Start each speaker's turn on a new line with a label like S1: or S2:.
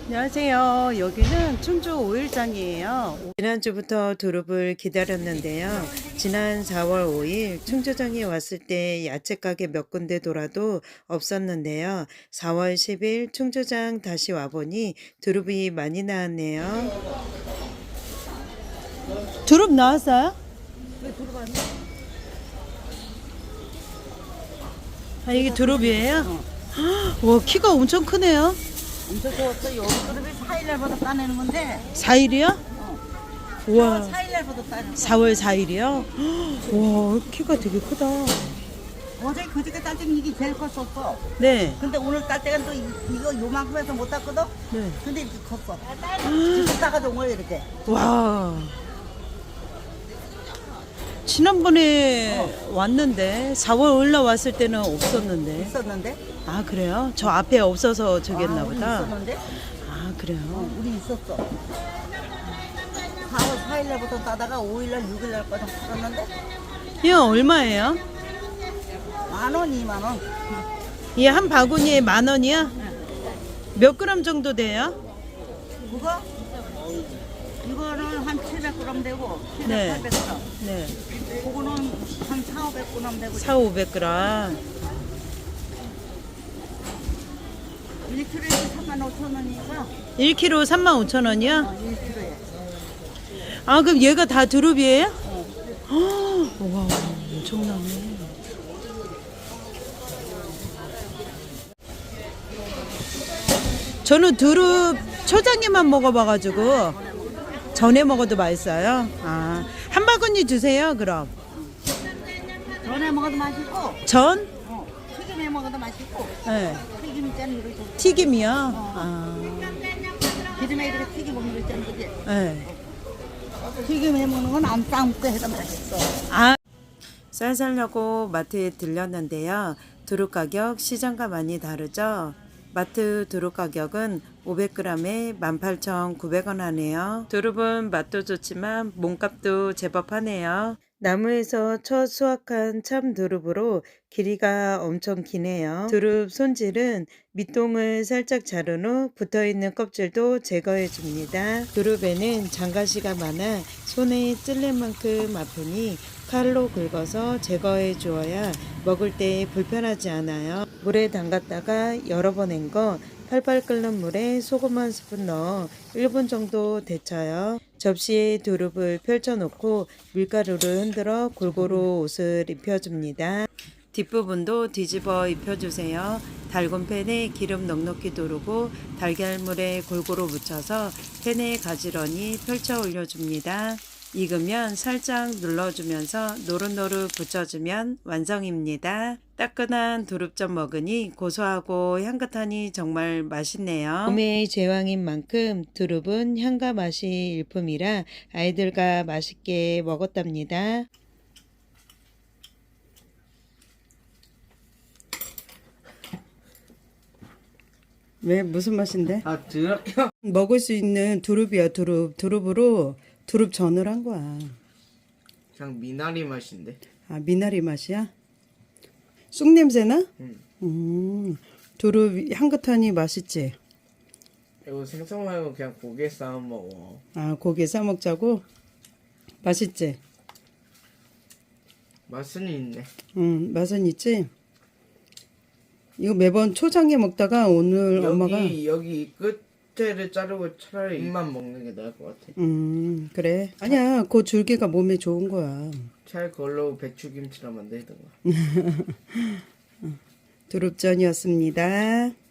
S1: 안녕하세요. 여기는 충주 오일장이에요. 지난주부터 두릅을 기다렸는데요. 지난 4월 5일 충주장에 왔을 때 야채 가게 몇 군데 돌아도 없었는데요. 4월 10일 충주장 다시 와보니 두릅이 많이 나왔네요. 두릅 나왔어요?
S2: 왜 들어봤니?
S1: 아, 이게 두릅이에요? 와, 키가 엄청 크네요.
S2: 엄청 좋았어. 여기 그룹이 4일날부터 따내는 건데.
S1: 4일이요? 우와.
S2: 4일날부터 따는 거.
S1: 4월 4일이요? 와, 키가 되게 크다.
S2: 어제 그저께 딸 때는 이게 제일 컸었어.
S1: 네.
S2: 근데 오늘 딸 때는 또 이거 요만큼 해서 못 땄거든?
S1: 네.
S2: 근데 이렇게 컸어. 지금 따가지고 온 거야, 이렇게.
S1: 와. 지난번에 왔는데 4월 올라왔을 때는 없었는데.
S2: 있었는데?
S1: 아, 그래요? 저 앞에 없어서 저기 했나
S2: 우리
S1: 보다.
S2: 있었는데?
S1: 아, 그래요?
S2: 우리 있었어. 4월 4일날부터 따다가 5일날, 6일날까지 팔았는데?
S1: 이거 얼마예요?
S2: 10,000원, 20,000원.
S1: 이 한 바구니에 10,000원이야? 몇 그램 정도 돼요?
S2: 그거? 이거는 한 700g 되고, 700,
S1: 네.
S2: 800g.
S1: 네.
S2: 그거는 한 4,500g 되고.
S1: 4,500g.
S2: 1kg에 35,000원이니까.
S1: 1kg 35,000원이요?
S2: 1kg에.
S1: 아, 그럼 얘가 다 두릅이에요? 와, 엄청나네. 저는 두릅 초장에만 먹어봐가지고 전에 먹어도 맛있어요. 아, 한 바구니 주세요. 그럼
S2: 전에 먹어도 맛있고,
S1: 전?
S2: 튀김에 먹어도 맛있고,
S1: 네.
S2: 튀김 있잖아, 이렇게.
S1: 튀김이요. 아,
S2: 기름에 이렇게 튀김 먹는 거 있잖아, 그지?
S1: 네.
S2: 튀김에 먹는 건 안 삶고 해도 맛있어.
S1: 아, 쌀 사려고 마트에 들렸는데요. 두릅 가격 시장과 많이 다르죠. 마트 두릅 가격은 500g에 18,900원 하네요. 두릅은 맛도 좋지만 몸값도 제법 하네요. 나무에서 첫 수확한 참 두릅으로 길이가 엄청 기네요. 두릅 손질은 밑동을 살짝 자른 후 붙어있는 껍질도 제거해 줍니다. 두릅에는 장가시가 많아 손에 찔릴 만큼 아프니 칼로 긁어서 제거해 주어야 먹을 때 불편하지 않아요. 물에 담갔다가 여러 번 헹궈 팔팔 끓는 물에 소금 한 스푼 넣어 1분 정도 데쳐요. 접시에 두릅을 펼쳐놓고 밀가루를 흔들어 골고루 옷을 입혀줍니다. 뒷부분도 뒤집어 입혀주세요. 달군 팬에 기름 넉넉히 두르고 달걀물에 골고루 묻혀서 팬에 가지런히 펼쳐 올려줍니다. 익으면 살짝 눌러주면서 노릇노릇 붙여주면 완성입니다. 따끈한 두릅전 먹으니 고소하고 향긋하니 정말 맛있네요. 봄의 제왕인 만큼 두릅은 향과 맛이 일품이라 아이들과 맛있게 먹었답니다. 왜 무슨 맛인데?
S3: 아, 드럽.
S1: 먹을 수 있는 두릅이야. 두릅으로 두릅전을 한 거야.
S3: 그냥 미나리 맛인데.
S1: 아, 미나리 맛이야? 쑥 냄새나?
S3: 응.
S1: 두릅 향긋하니 맛있지?
S3: 이거 생선 말고 그냥 고기에 싸워 먹어.
S1: 아, 고기 싸 먹자고? 맛있지?
S3: 맛은 있네.
S1: 맛은 있지? 이거 매번 초장에 먹다가 오늘 엄마가
S3: 여기 끝에를 자르고 차라리 잎만 먹는 게 나을 것 같아.
S1: 그래. 아니야, 그 줄기가 몸에 좋은 거야.
S3: 차라리 그걸로 배추김치랑 만들던가.
S1: 두릅전이었습니다.